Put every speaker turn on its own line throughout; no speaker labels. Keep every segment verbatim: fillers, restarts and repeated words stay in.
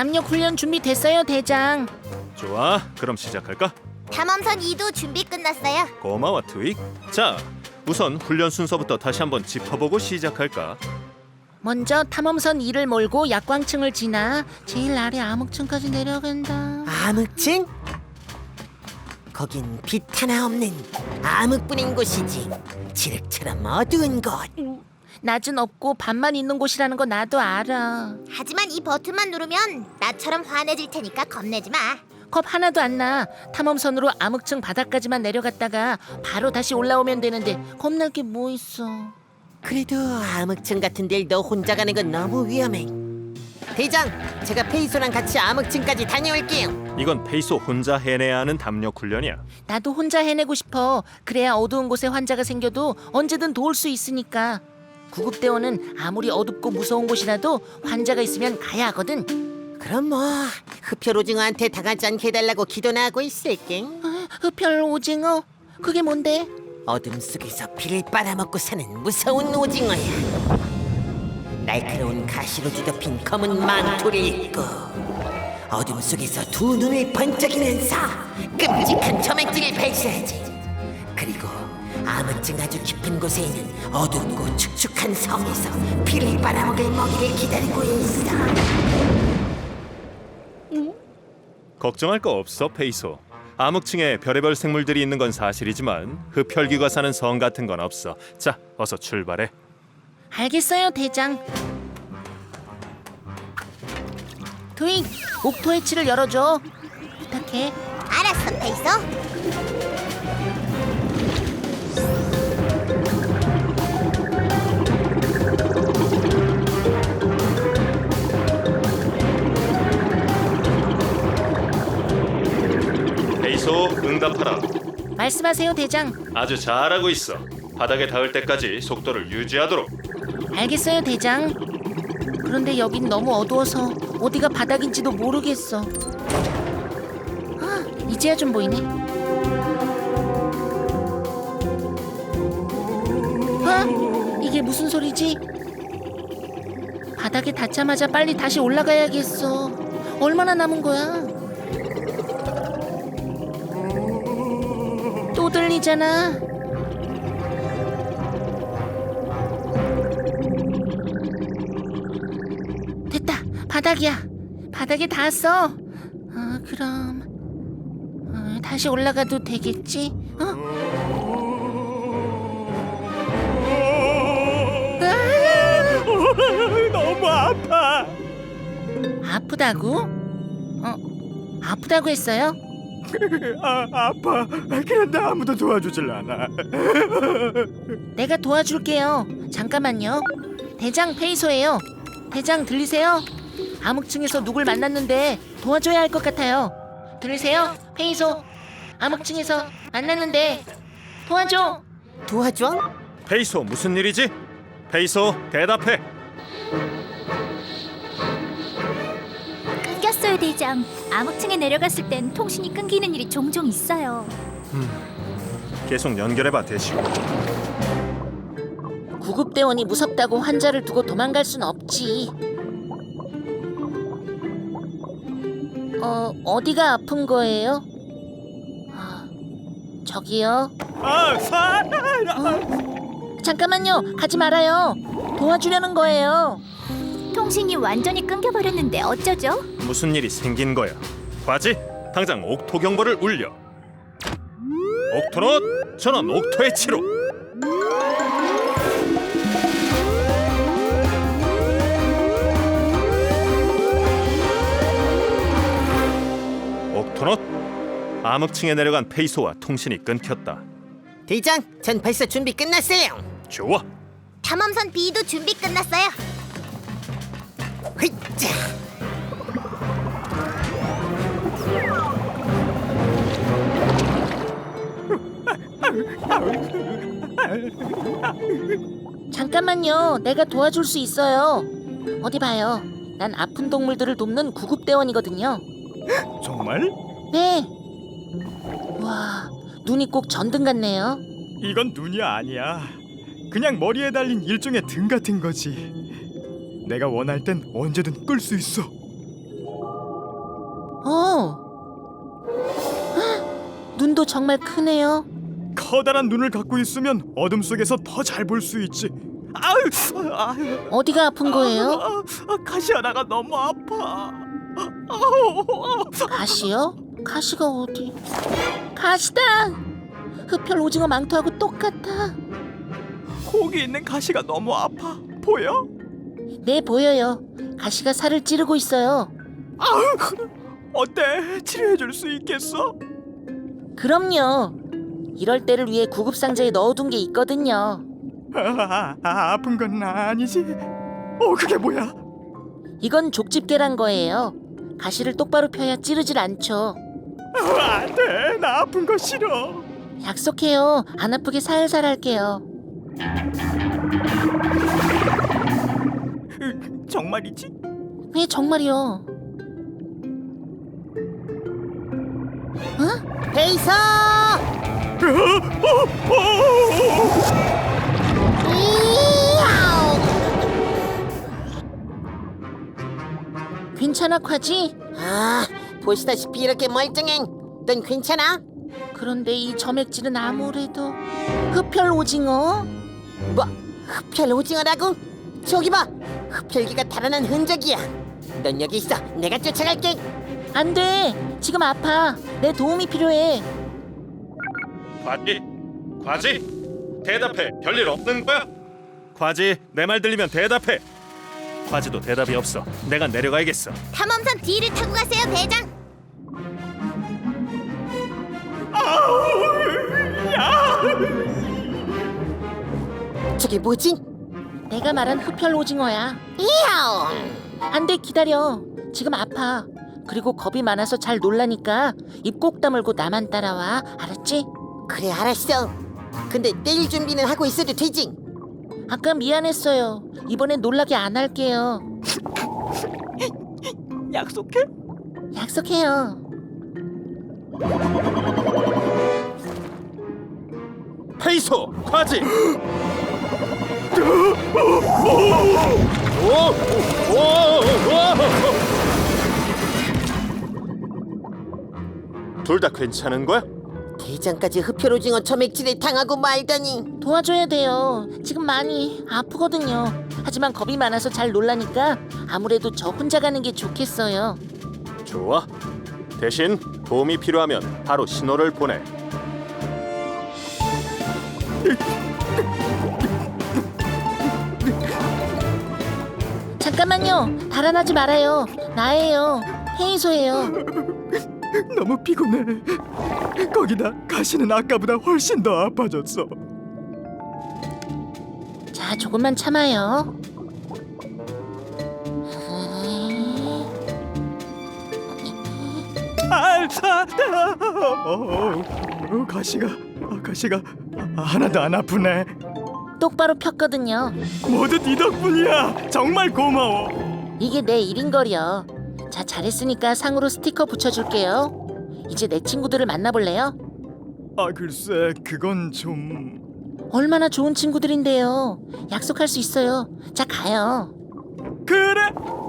담력 훈련 준비됐어요, 대장.
좋아, 그럼 시작할까?
탐험선 이도 준비 끝났어요.
고마워, 트윅. 자, 우선 훈련 순서부터 다시 한번 짚어보고 시작할까?
먼저 탐험선 이를 몰고 약광층을 지나 제일 아래 암흑층까지 내려간다.
암흑층? 거긴 빛 하나 없는 암흑뿐인 곳이지. 칠흑처럼 어두운 곳.
낮은 없고 밤만 있는 곳이라는 거 나도 알아.
하지만 이 버튼만 누르면 나처럼 환해질 테니까 겁내지 마.
겁 하나도 안 나. 탐험선으로 암흑층 바닥까지만 내려갔다가 바로 다시 올라오면 되는데 겁날 게 뭐 있어.
그래도 암흑층 같은 데를 너 혼자 가는 건 너무 위험해. 대장, 제가 페이소랑 같이 암흑층까지 다녀올게요.
이건 페이소 혼자 해내야 하는 담력 훈련이야.
나도 혼자 해내고 싶어. 그래야 어두운 곳에 환자가 생겨도 언제든 도울 수 있으니까. 구급대원은 아무리 어둡고 무서운 곳이라도 환자가 있으면 가야 하거든.
그럼 뭐 흡혈 오징어한테 당하지 않게 해달라고 기도나 하고 있을게.
아, 흡혈 오징어? 그게 뭔데?
어둠 속에서 피를 빨아먹고 사는 무서운 오징어야. 날카로운 가시로 뒤덮인 검은 망토를 입고 어둠 속에서 두 눈을 번쩍이면서 끔찍한 점액질을 발사하지. 그리고 암흑층 아주 깊은 곳에 있는 어둡고 축축한 섬에서 피를 빨아먹을 먹이를 기다리고 있어.
걱정할 거 없어, 페이소. 암흑층에 별의별 생물들이 있는 건 사실이지만 흡혈귀가 사는 성 같은 건 없어. 자, 어서 출발해.
알겠어요, 대장. 트윅, 옥토 해치를 열어줘. 부탁해.
알았어, 페이소.
페이소, 응답하라.
말씀하세요, 대장.
아주 잘하고 있어. 바닥에 닿을 때까지 속도를 유지하도록.
알겠어요, 대장. 그런데 여긴 너무 어두워서 어디가 바닥인지도 모르겠어. 아, 이제야 좀 보이네. 아, 이게 무슨 소리지? 바닥에 닿자마자 빨리 다시 올라가야겠어. 얼마나 남은 거야? 또 들리잖아. 됐다. 바닥이야. 바닥에 닿았어. 어, 그럼 어, 다시 올라가도 되겠지? 어?
어, 너무 아파.
아프다고? 어, 아프다고 했어요?
아, 아파. 그런데 아무도 도와주질 않아.
내가 도와줄게요. 잠깐만요. 대장 페이소예요. 대장 들리세요? 암흑층에서 누굴 만났는데 도와줘야 할 것 같아요. 들리세요? 페이소. 암흑층에서 만났는데 도와줘.
도와줘?
페이소, 무슨 일이지? 페이소, 대답해.
끊겼어요, 대장. 암흑층에 내려갔을 땐 통신이 끊기는 일이 종종 있어요.
계속 연결해봐, 대시고.
구급대원이 무섭다고 환자를 두고 도망갈 순 없지. 어, 어디가 아픈 거예요? 아, 저기요.
아, 사.
잠깐만요. 가지 말아요. 도와주려는 거예요.
통신이 완전히 끊겨버렸는데 어쩌죠?
무슨 일이 생긴 거야? 과지, 당장 옥토 경보를 울려. 옥토넛, 전원 옥토의 치로. 옥토넛, 암흑층에 내려간 페이소와 통신이 끊겼다.
대장, 전 벌써 준비 끝났어요.
좋아.
탐험선 B도 준비 끝났어요.
휘짜.
잠깐만요. 내가 도와줄 수 있어요. 어디 봐요. 난 아픈 동물들을 돕는 구급대원이거든요.
정말?
네. 와, 눈이 꼭 전등 같네요.
이건 눈이 아니야. 그냥 머리에 달린 일종의 등 같은 거지. 내가 원할 땐 언제든 끌 수 있어.
어. 헉, 눈도 정말 크네요.
커다란 눈을 갖고 있으면 어둠 속에서 더 잘 볼 수 있지. 아유, 아유,
어디가 아픈 거예요?
아, 아, 가시 하나가 너무 아파. 아우,
가시요? 가시가 어디? 가시다! 흡혈 오징어 망토하고 똑같아.
거기 있는 가시가 너무 아파. 보여?
네, 보여요. 가시가 살을 찌르고 있어요.
아우, 어때? 치료해 줄 수 있겠어?
그럼요. 이럴 때를 위해 구급 상자에 넣어둔 게 있거든요.
아, 아, 아픈 건 아니지? 어, 그게 뭐야?
이건 족집게란 거예요. 가시를 똑바로 펴야 찌르질 않죠.
아, 안 돼. 나 아픈 거 싫어.
약속해요. 안 아프게 살살 할게요.
으, 정말이지?
왜 정말이요? 어?
베이서!
괜찮아, 콰지?
아, 보시다시피 이렇게 멀쩡해. 넌 괜찮아?
그런데 이 점액질은 아무래도 흡혈 오징어?
뭐? 흡혈 오징어라고? 저기 봐, 흡혈기가 달아난 흔적이야. 넌 여기 있어. 내가 쫓아갈게.
안 돼. 지금 아파. 내 도움이 필요해.
과지, 과지, 대답해. 별일 없는 거야? 과지, 내 말 들리면 대답해. 과지도 대답이 없어. 내가 내려가야겠어.
탐험선 D를 타고 가세요, 대장.
저게 뭐지?
내가 말한 흡혈 오징어야.
이야옹!
안 돼, 기다려. 지금 아파. 그리고 겁이 많아서 잘 놀라니까 입 꼭 다물고 나만 따라와. 알았지?
그래, 알았어. 근데 때릴 준비는 하고 있어도 되지?
아까 미안했어요. 이번엔 놀라게 안 할게요.
약속해?
약속해요.
페이소, 과지. 오, 오, 오. 둘 다 괜찮은 거야?
대장까지 흡혈 오징어 점액질에 당하고 말다니.
도와줘야 돼요. 지금 많이 아프거든요. 하지만 겁이 많아서 잘 놀라니까 아무래도 저 혼자 가는 게 좋겠어요.
좋아. 대신 도움이 필요하면 바로 신호를 보내.
잠깐만요. 달아나지 말아요. 나예요. 헤이소예요.
너무 피곤해. 거기다 가시는 아까보다 훨씬 더 아파졌어.
자, 조금만 참아요.
아, 아, 아, 어, 어, 가시가, 아, 가시가 아, 하나도 안 아프네.
똑바로 폈거든요.
모두 네 덕분이야. 정말 고마워.
이게 내 일인걸요. 자, 잘했으니까 상으로 스티커 붙여줄게요. 이제 내 친구들을 만나볼래요?
아, 글쎄, 그건 좀...
얼마나 좋은 친구들인데요. 약속할 수 있어요. 자, 가요.
그래.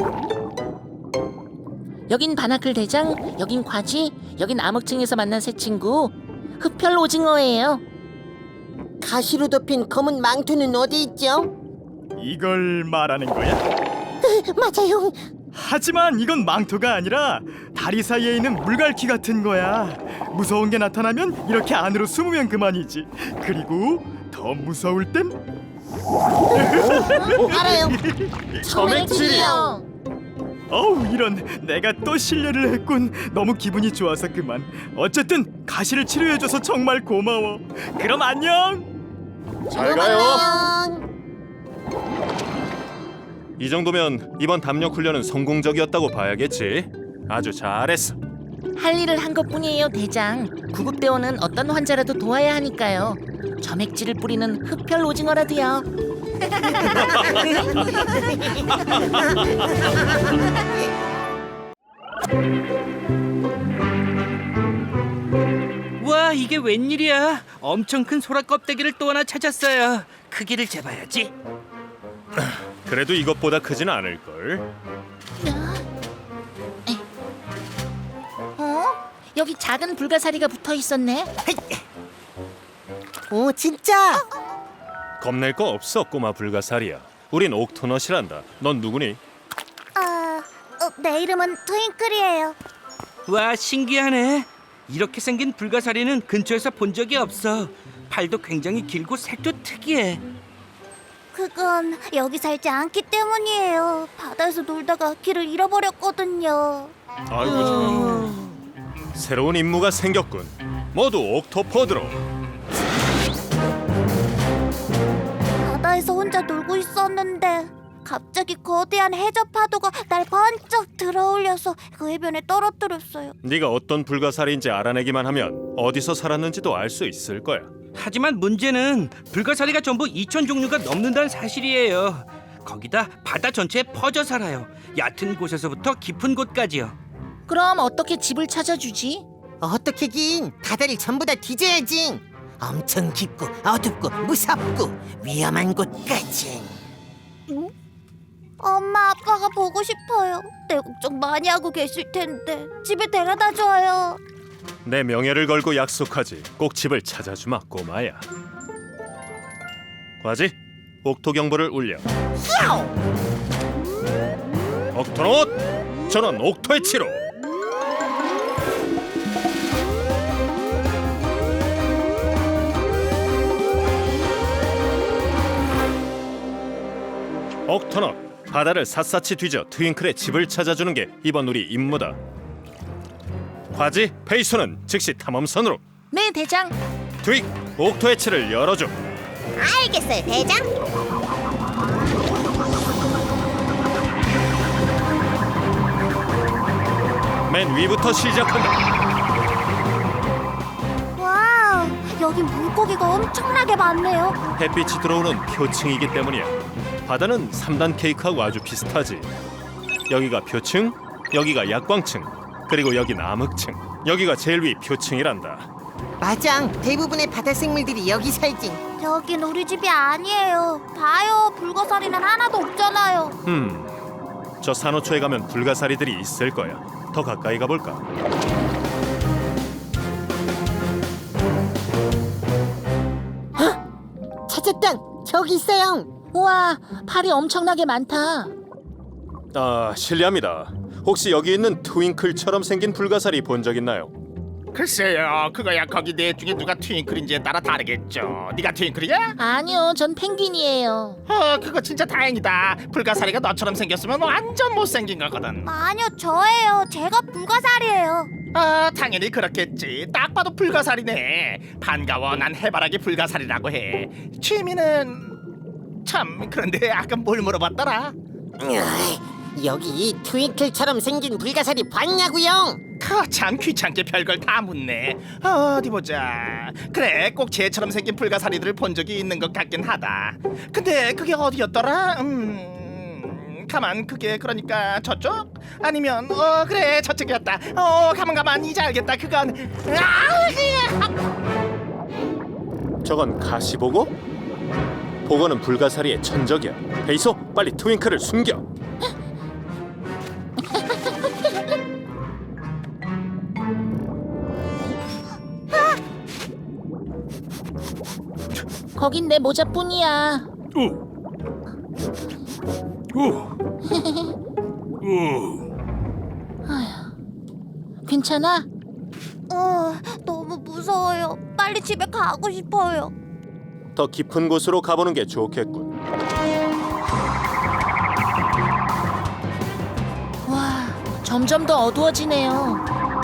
여긴 바나클 대장, 여긴 과지, 여긴 암흑층에서 만난 새 친구 흡혈 오징어예요.
가시로 덮인 검은 망토는 어디 있죠?
이걸 말하는 거야?
맞아요.
하지만 이건 망토가 아니라 다리 사이에 있는 물갈퀴 같은 거야. 무서운 게 나타나면 이렇게 안으로 숨으면 그만이지. 그리고 더 무서울 땐
알아요.
점액질이요.
어우, 이런, 내가 또 실례를 했군. 너무 기분이 좋아서 그만. 어쨌든 가시를 치료해줘서 정말 고마워. 그럼 안녕.
잘 가요.
안녕.
이 정도면 이번 담력 훈련은 성공적이었다고 봐야겠지. 아주 잘했어.
할 일을 한 것뿐이에요, 대장. 구급대원은 어떤 환자라도 도와야 하니까요. 점액질을 뿌리는 흡혈 오징어라도요.
와, 이게 웬일이야? 엄청 큰 소라 껍데기를 또 하나 찾았어요. 크기를 재봐야지.
그래도 이것보다 크진 않을 걸.
여기 작은 불가사리가 붙어 있었네.
오 진짜?
겁낼 거 없어 꼬마 불가사리야. 우린 옥토넛이란다. 넌 누구니?
아, 어, 내 이름은 트윙클이에요.
와, 신기하네. 이렇게 생긴 불가사리는 근처에서 본 적이 없어. 팔도 굉장히 길고 색도 특이해.
그건 여기 살지 않기 때문이에요. 바다에서 놀다가 길을 잃어버렸거든요.
아이고 참. 새로운 임무가 생겼군. 모두 옥토포드로.
바다에서 혼자 놀고 있었는데 갑자기 거대한 해저 파도가 날 번쩍 들어올려서 그 해변에 떨어뜨렸어요.
네가 어떤 불가사리인지 알아내기만 하면 어디서 살았는지도 알 수 있을 거야.
하지만 문제는 불가사리가 전부 이천 종류가 넘는다는 사실이에요. 거기다 바다 전체에 퍼져 살아요. 얕은 곳에서부터 깊은 곳까지요.
그럼 어떻게 집을 찾아주지?
어떻게긴 바다를 전부 다 뒤져야지. 엄청 깊고 어둡고 무섭고 위험한 곳까지.
엄마 아빠가 보고 싶어요. 내 걱정 많이 하고 계실 텐데 집에 데려다 줘요.
내 명예를 걸고 약속하지. 꼭 집을 찾아주마 꼬마야. 과지 옥토 경보를 울려. 옥토넛 전원 옥토의 치로. 옥토넛 바다를 샅샅이 뒤져 트윙클의 집을 찾아주는 게 이번 우리 임무다. 과지 페이소는 즉시 탐험선으로.
네, 대장.
트윅 옥토의 치를 열어줘.
알겠어요, 대장.
맨 위부터 시작한다.
와우, 여기 물고기가 엄청나게 많네요.
햇빛이 들어오는 표층이기 때문이야. 바다는 삼 단 케이크하고 아주 비슷하지. 여기가 표층, 여기가 약광층, 그리고 여긴 암흑층. 여기가 제일 위 표층이란다.
맞아. 대부분의 바다 생물들이 여기 살지.
여긴 우리 집이 아니에요. 봐요, 불가사리는 하나도 없잖아요.
음, 저 산호초에 가면 불가사리들이 있을 거야. 더 가까이 가볼까?
찾았다. 저기 있어요.
우와, 팔이 엄청나게 많다.
아, 실례합니다. 혹시 여기 있는 트윙클처럼 생긴 불가사리 본 적 있나요?
글쎄요, 그거야 거기 넷 중에 누가 트윙클인지에 따라 다르겠죠. 네가 트윙클이야?
아니요, 전 펭귄이에요.
어, 그거 진짜 다행이다. 불가사리가 너처럼 생겼으면 완전 못생긴 거거든.
아니요, 저예요. 제가 불가사리예요.
아, 당연히 그렇겠지. 딱 봐도 불가사리네. 반가워, 난 해바라기 불가사리라고 해. 취미는... 참, 그런데 아까 뭘 물어봤더라?
으이, 여기 트윙클처럼 생긴 불가사리 봤냐고요?
그참 귀찮게 별걸 다 묻네. 어디 보자. 그래, 꼭 쟤처럼 생긴 불가사리들을 본 적이 있는 것 같긴 하다. 근데 그게 어디였더라? 음... 가만, 그게 그러니까 저쪽? 아니면 어 그래 저쪽이었다. 어 가만 가만 이제 알겠다. 그건 아,
저건 가시보고? 보고는 불가사리의 천적이야. 페이소, 빨리 트윙클을 숨겨.
거긴 내 모자뿐이야. 아휴, 괜찮아?
어, 너무 무서워요. 빨리 집에 가고 싶어요.
더 깊은 곳으로 가보는 게 좋겠군.
와, 점점 더 어두워지네요.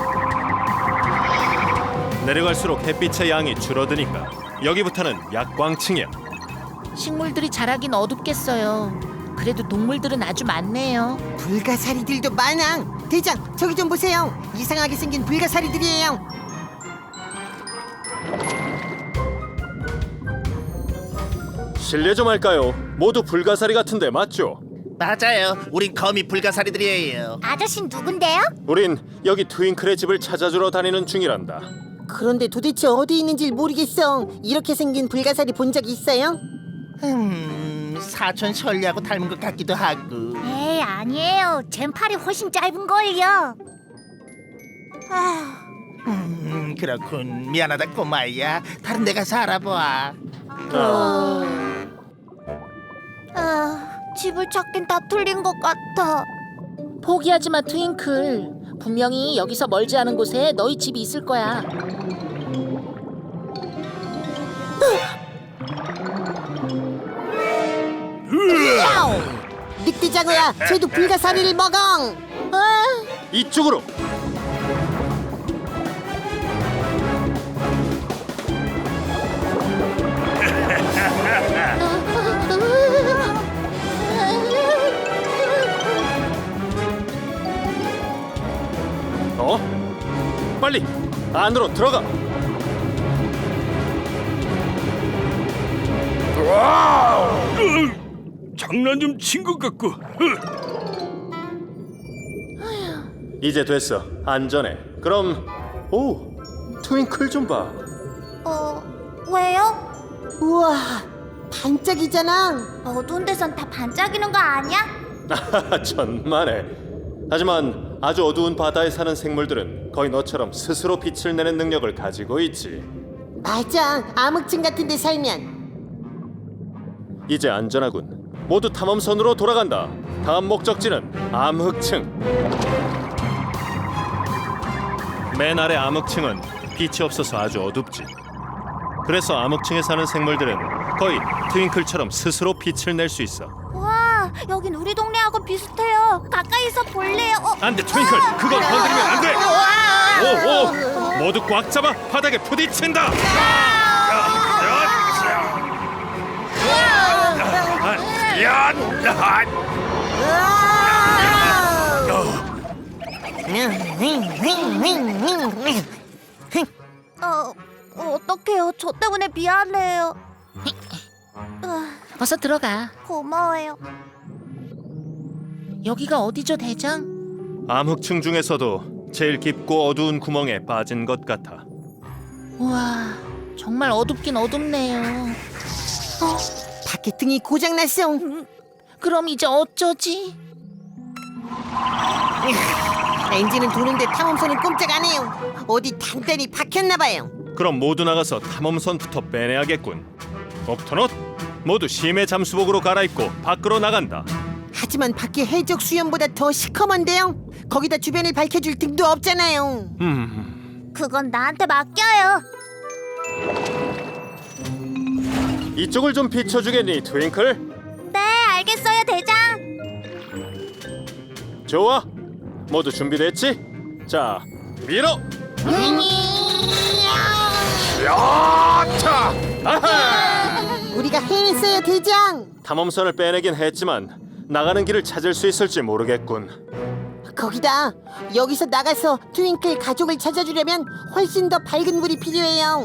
내려갈수록 햇빛의 양이 줄어드니까 여기부터는 약광층이야.
식물들이 자라긴 어둡겠어요. 그래도 동물들은 아주 많네요.
불가사리들도 많아. 대장, 저기 좀 보세요. 이상하게 생긴 불가사리들이에요.
실례 좀 할까요? 모두 불가사리 같은데 맞죠?
맞아요. 우린 거미 불가사리들이에요.
아저씨 누군데요?
우린 여기 트윙클의 집을 찾아주러 다니는 중이란다.
그런데 도대체 어디 있는지 모르겠어. 이렇게 생긴 불가사리 본 적 있어요?
음, 사촌 셜리하고 닮은 것 같기도 하고.
에이, 아니에요. 젠 팔이 훨씬 짧은 걸요. 아,
음, 그렇군. 미안하다 꼬마야. 다른 데 가서 알아봐.
아, 집을 찾긴 다 틀린 것 같아.
포기하지 마, 트윙클. 분명히 여기서 멀지 않은 곳에 너희 집이 있을 거야.
늑대장어야, 쟤도 불가사리를 먹어.
이쪽으로. 어? 빨리 안으로 들어가.
장난 좀 친 것 같고.
이제 됐어. 안전해. 그럼 오, 트윙클 좀 봐.
어, 왜요?
우와, 반짝이잖아.
어두운 데선 다 반짝이는 거 아니야?
천만에. 하지만 아주 어두운 바다에 사는 생물들은 거의 너처럼 스스로 빛을 내는 능력을 가지고 있지.
맞아, 암흑층 같은 데 살면.
이제 안전하군. 모두 탐험선으로 돌아간다. 다음 목적지는 암흑층. 맨 아래 암흑층은 빛이 없어서 아주 어둡지. 그래서 암흑층에 사는 생물들은 거의 트윙클처럼 스스로 빛을 낼 수 있어.
와, 여긴 우리 동네하고 비슷해요. 가까이서 볼래요? 어,
안돼, 트윙클. 그걸 건드리면 안돼. 오, 오, 모두 꽉 잡아 바닥에 부딪힌다.
어, 어떡해요. 저 때문에 미안해요. 아,
어서 들어가.
고마워요.
여기가 어디죠, 대장?
암흑층 중에서도 제일 깊고 어두운 구멍에 빠진 것 같아.
우와, 정말 어둡긴 어둡네요.
밖에 등이 고장났어.
그럼 이제 어쩌지?
엔진은 도는데 탐험선은 꼼짝 안 해요. 어디 단단히 박혔나봐요.
그럼 모두 나가서 탐험선부터 빼내야겠군. 옵터넛, 모두 심해 잠수복으로 갈아입고 밖으로 나간다.
하지만 밖에 해적 수염보다 더 시커먼데요. 거기다 주변을 밝혀줄 등도 없잖아요.
음,
그건 나한테 맡겨요.
이쪽을 좀 비춰주겠니, 트윙클?
네, 알겠어요, 대장.
좋아, 모두 준비됐지? 자, 밀어! 야차! 아하!
우리가 해냈어요, 대장.
탐험선을 빼내긴 했지만 나가는 길을 찾을 수 있을지 모르겠군.
거기다 여기서 나가서 트윙클 가족을 찾아주려면 훨씬 더 밝은 불이 필요해요.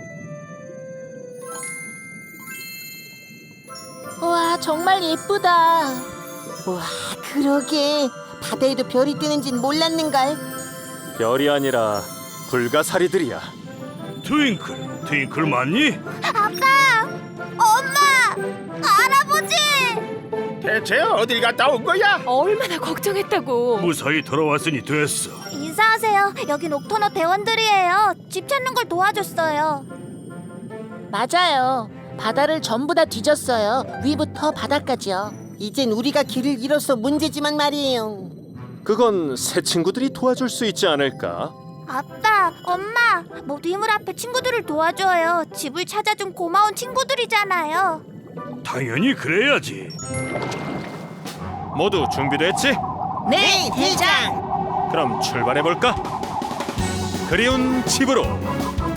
우와, 정말 예쁘다.
와, 그러게. 바다에도 별이 뜨는진 몰랐는걸.
별이 아니라 불가사리들이야.
트윙클, 트윙클 맞니?
아빠! 엄마! 할아버지!
대체 어딜 갔다 온 거야?
얼마나 걱정했다고.
무사히 돌아왔으니 됐어.
인사하세요. 여긴 옥터너 대원들이에요. 집 찾는 걸 도와줬어요.
맞아요. 바다를 전부 다 뒤졌어요. 위부터 바닥까지요.
이젠 우리가 길을 잃어서 문제지만 말이에요.
그건 새 친구들이 도와줄 수 있지 않을까?
아빠, 엄마, 모두 이물 앞에 친구들을 도와줘요. 집을 찾아준 고마운 친구들이잖아요.
당연히 그래야지.
모두 준비됐지?
네, 대장.
그럼 출발해볼까? 그리운 집으로.